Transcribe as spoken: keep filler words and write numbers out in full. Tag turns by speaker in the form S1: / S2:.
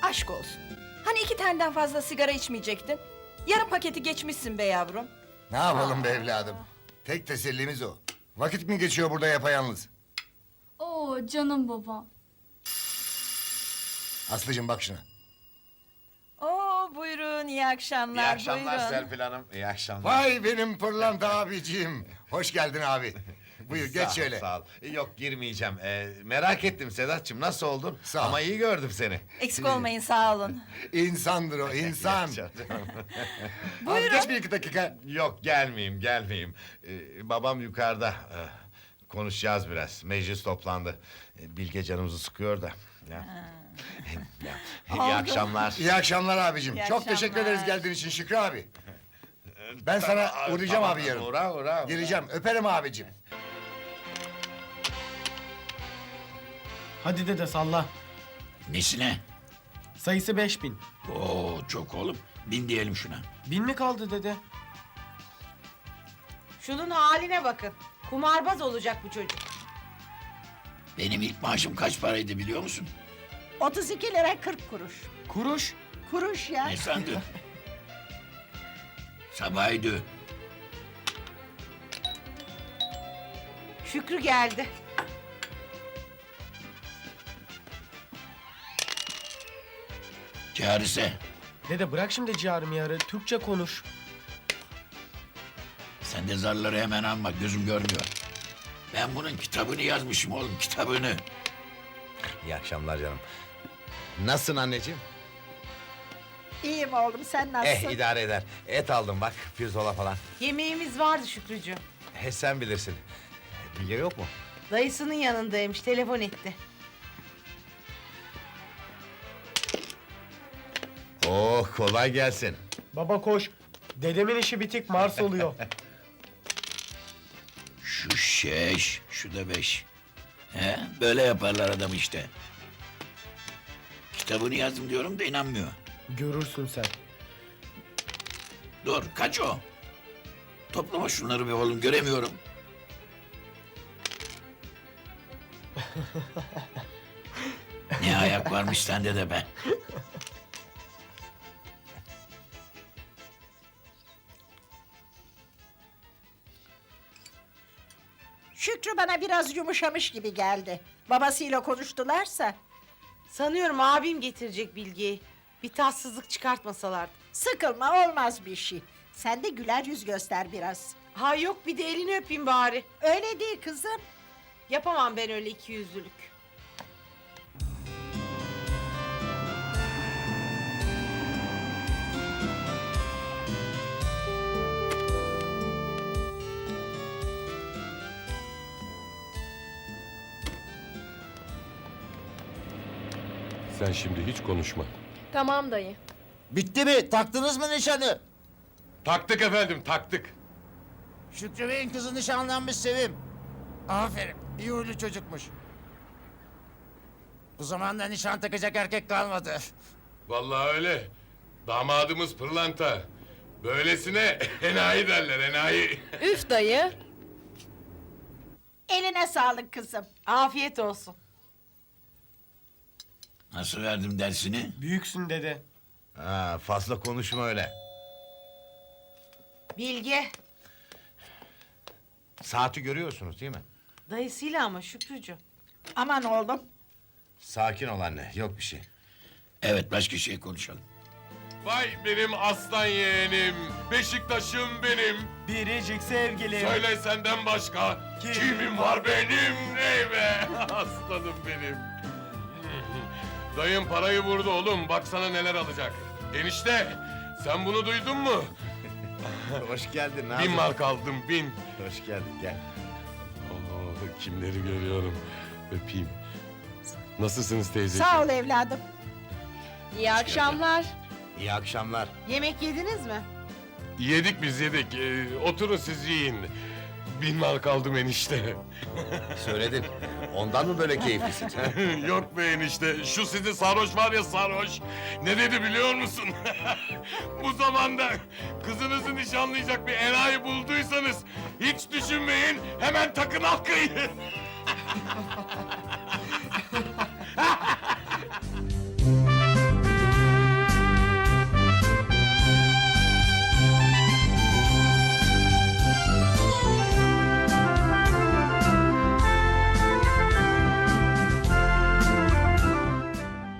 S1: aşk olsun. Hani iki taneden fazla sigara içmeyecektin? Yarım paketi geçmişsin be yavrum.
S2: Ne yapalım be evladım? Tek tesellimiz o. Vakit mi geçiyor burada yapayalnız?
S3: Oo canım babam.
S2: Aslıcığım bak şuna.
S1: Oo buyurun, iyi akşamlar.
S4: İyi akşamlar
S1: buyurun.
S4: Serpil Hanım. İyi akşamlar.
S2: Vay benim pırlanta abiciğim. Hoş geldin abi. Buyur
S4: Sağ
S2: geç
S4: ol,
S2: şöyle.
S4: Sağ ol. Yok girmeyeceğim. Ee, merak ettim Sedat'cığım nasıl oldun?
S2: Sağ ol.
S4: Ama iyi gördüm seni.
S1: Eksik olmayın, sağ olun.
S2: İnsandır o insan. Abi geç bir iki dakika.
S4: Yok gelmeyeyim gelmeyeyim. Ee, babam yukarıda. Ee, konuşacağız biraz. Meclis toplandı. Ee, Bilge canımızı sıkıyor da. Ya. Ya. İyi
S1: Oldu.
S4: akşamlar.
S2: İyi akşamlar abicim.
S1: İyi
S2: Çok teşekkür
S1: akşamlar.
S2: ederiz geldiğin için Şükrü abi. Ben sana uğrayacağım
S4: Tamam,
S2: abi yarın.
S4: Uğra uğra.
S2: Geleceğim. Öperim abicim.
S5: Hadi dede salla.
S6: Nesine?
S5: Sayısı beş bin.
S6: Oo çok oğlum. Bin diyelim şuna.
S5: Bin mi kaldı dede?
S7: Şunun haline bakın. Kumarbaz olacak bu çocuk.
S6: Benim ilk maaşım kaç paraydı biliyor musun?
S8: otuz iki lira kırk kuruş.
S5: Kuruş.
S8: Kuruş ya.
S6: Ne sandın? Sabahıydı.
S7: Şükrü geldi.
S6: Çağrısı.
S5: Dede bırak şimdi ciğer miyarı. Türkçe konuş.
S6: Sen de zarları hemen alma. Gözüm görmüyor. Ben bunun kitabını yazmışım oğlum. Kitabını.
S4: İyi akşamlar canım. Nasılsın anneciğim?
S8: İyiyim oğlum, sen nasılsın?
S4: Eh idare eder. Et aldım bak pirzola falan.
S7: Yemeğimiz vardı Şükrücüğüm.
S4: He sen bilirsin. Bilge yok mu?
S7: Dayısının yanındaymış, telefon etti.
S4: Oh kolay gelsin.
S5: Baba koş. Dedemin işi bitik, Mars oluyor.
S6: Şu şeş, şu da beş. He, böyle yaparlar adam işte. Kitabını yazdım diyorum da inanmıyor.
S5: Görürsün sen.
S6: Dur, kaç o? Toplama şunları be oğlum, göremiyorum. Ne ayak varmış sende de be.
S8: Şükrü bana biraz yumuşamış gibi geldi. Babasıyla konuştularsa.
S7: Sanıyorum abim getirecek Bilge'yi. Bir tatsızlık çıkartmasalardı.
S8: Sıkılma, olmaz bir şey. Sen de güler yüz göster biraz.
S7: Ha yok, bir de elini öpeyim bari.
S8: Öyle değil kızım.
S7: Yapamam ben öyle iki yüzlülük.
S9: Sen şimdi hiç konuşma.
S3: Tamam dayı.
S10: Bitti mi? Taktınız mı nişanı?
S9: Taktık efendim, taktık.
S10: Şükrü Bey'in kızı nişanlanmış Sevim. Aferin, iyi huylu çocukmuş. Bu zamanda nişan takacak erkek kalmadı.
S9: Vallahi öyle. Damadımız pırlanta. Böylesine enayi derler, enayi.
S3: Üf dayı.
S8: Eline sağlık kızım.
S7: Afiyet olsun.
S6: Nasıl verdim dersini?
S5: Büyüksün dede.
S4: Ha, fazla konuşma öyle.
S7: Bilge.
S4: Saati görüyorsunuz değil mi?
S7: Dayısıyla ama Şükrücüğüm.
S8: Aman oğlum.
S4: Sakin ol anne, yok bir şey.
S6: Evet, başka şey konuşalım.
S9: Vay benim aslan yeğenim, Beşiktaş'ım benim.
S5: Biricik sevgilim.
S9: Söyle senden başka
S5: Kim
S9: kimim var benim, ney be? Aslanım benim. Dayım parayı vurdu oğlum, baksana neler alacak. Enişte, sen bunu duydun mu?
S4: Hoş geldin
S9: Bin
S4: Nazım.
S9: mark aldım, bin.
S4: Hoş geldin, gel.
S9: Oo, kimleri görüyorum, öpeyim. Nasılsınız teyzeciğim?
S8: Sağ ol evladım.
S3: İyi akşamlar.
S4: İyi akşamlar.
S7: Yemek yediniz mi?
S9: Yedik biz yedik, ee, oturun siz yiyin. Bin mark aldım enişte.
S4: Söyledim. Ondan mı böyle keyiflisin?
S9: Yok be enişte, şu sizi sarhoş var ya sarhoş. Ne dedi biliyor musun? Bu zamanda kızınızı nişanlayacak bir enayi bulduysanız... ...hiç düşünmeyin, hemen takın halkayı.